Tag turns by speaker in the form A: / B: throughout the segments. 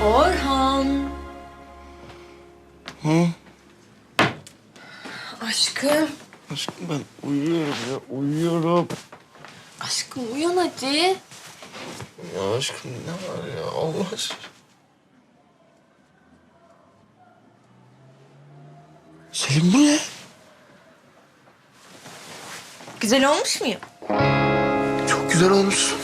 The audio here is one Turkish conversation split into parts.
A: Orhan.
B: Hı?
A: Aşkım.
B: Aşkım ben uyuyorum ya, uyuyorum.
A: Aşkım uyan hadi.
B: Ya aşkım ne var ya, Allah aşkına. Selim bu ne?
A: Güzel olmuş muyum?
B: Çok güzel olmuşsun.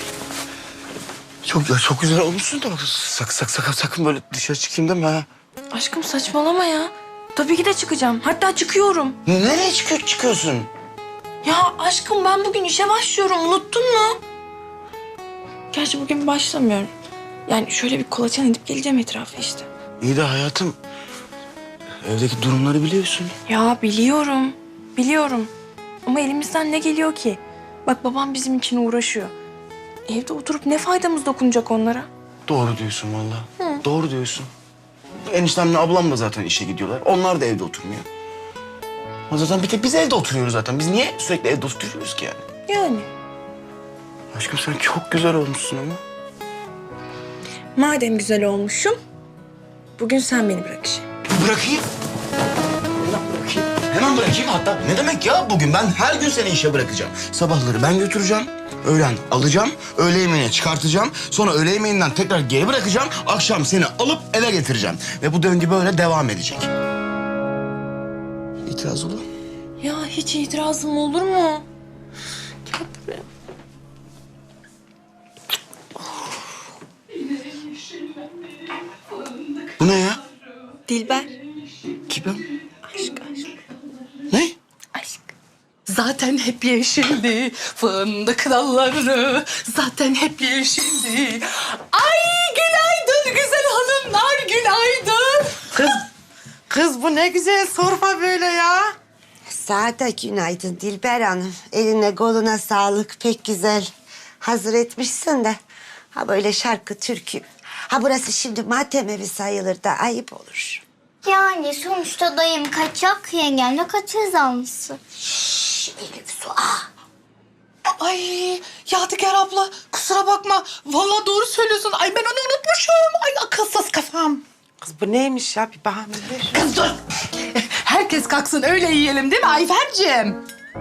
B: Çok güzel olmuşsun da bak sakın böyle dışarı çıkayım deme ha.
A: Aşkım saçmalama ya. Tabii ki de çıkacağım. Hatta çıkıyorum.
B: Nereye çıkıyorsun?
A: Ya aşkım ben bugün işe başlıyorum. Unuttun mu? Gerçi bugün başlamıyorum. Yani şöyle bir kolaçan edip geleceğim etrafı işte.
B: İyi de hayatım, evdeki durumları biliyorsun.
A: Ya biliyorum. Biliyorum. Ama elimizden ne geliyor ki? Bak babam bizim için uğraşıyor. Evde oturup ne faydamız dokunacak onlara?
B: Doğru diyorsun vallahi. Doğru diyorsun. Eniştemle ablam da zaten işe gidiyorlar. Onlar da evde oturmuyor. Ama zaten bir tek biz evde oturuyoruz zaten. Biz niye sürekli evde oturuyoruz ki yani?
A: Yani.
B: Aşkım sen çok güzel olmuşsun ama.
A: Madem güzel olmuşum, bugün sen beni bırak işe.
B: Bırakayım. Hemen bırakayım hatta. Ne demek ya bugün? Ben her gün seni işe bırakacağım. Sabahları ben götüreceğim. Öğlen alacağım. Öğle yemeğine çıkartacağım. Sonra öğle yemeğinden tekrar geri bırakacağım. Akşam seni alıp eve getireceğim. Ve bu döngü böyle devam edecek. İtiraz olur mu?
A: Ya hiç itirazım olur mu? Gel buraya.
B: Bu ne ya?
A: Dilber.
B: Kim?
A: Aşk aşk.
B: Ne?
A: Aşk.
C: Zaten hep yeşildi fındık dalları. Zaten hep yeşildi. Ay günaydın güzel hanımlar, günaydın. Kız bu ne güzel sorma böyle ya.
D: Sana da günaydın Dilber Hanım. Eline koluna sağlık, pek güzel hazır etmişsin de. Ha böyle şarkı, türkü. Ha burası şimdi matem evi sayılır da ayıp olur.
E: Yani sonuçta dayım kaçak, yengemle kaçırız almışsın.
D: Şşş Elif Su.
C: Ay Yadigar abla kusura bakma. Vallahi doğru söylüyorsun. Ay ben onu unutmuşum. Ay akılsız kafam.
F: Kız bu neymiş ya? Bir bahane ver.
C: Kız dur. Herkes kalksın öyle yiyelim değil mi Ayfer'cim?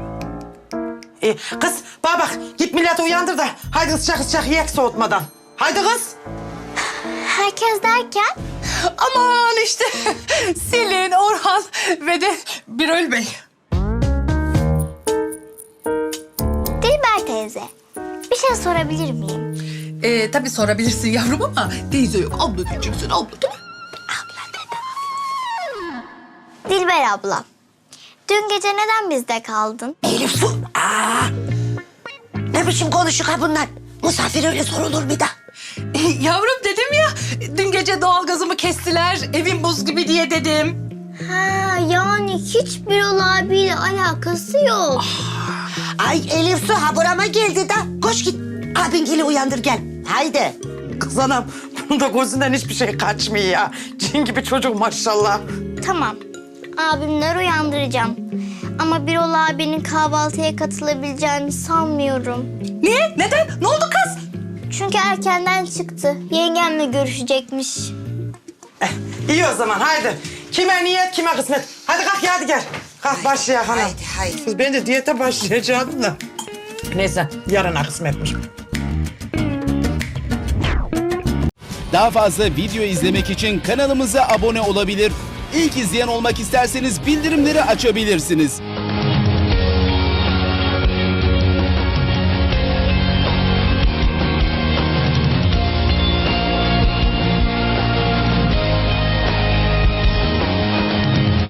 F: Kız bana bak git milleti uyandır da. Haydi sıcak yiyek soğutmadan. Haydi kız.
E: Herkes derken?
C: Aman işte Selin, Orhan ve de Birol Bey.
E: Dilber teyze, bir şey sorabilir miyim?
C: Tabii sorabilirsin yavrum ama teyze yok. Abla diyeceksin abla değil mi?
E: Dilber abla, dün gece neden bizde kaldın?
D: Elif Su. Ne biçim konuşuk ha bunlar? Misafir öyle sorulur bir de.
C: Yavrum dedim ya dün gece doğalgazımı kestiler. Evim buz gibi diye dedim.
E: Ha, yani hiç Birol abiyle alakası yok.
D: Ay Elif Su ha burama geldi de. Koş git abingili uyandır gel. Haydi.
F: Kız anam bunun da gözünden hiçbir şey kaçmıyor ya. Cin gibi çocuk maşallah.
E: Tamam, abimleri uyandıracağım. Ama Birol abinin kahvaltıya katılabileceğini sanmıyorum.
C: Niye? Neden? Ne oldu kız?
E: Çünkü erkenden çıktı. Yengemle görüşecekmiş.
F: İyi o zaman haydi. Kime niyet kime kısmet. Hadi kalk ya hadi gel. Kalk başlayalım hanım.
D: Haydi.
F: Kız ben de diyete başlayacaktım da. Neyse yarına kısmetmiş.
G: Daha fazla video izlemek için kanalımıza abone olabilir. İlk izleyen olmak isterseniz bildirimleri açabilirsiniz.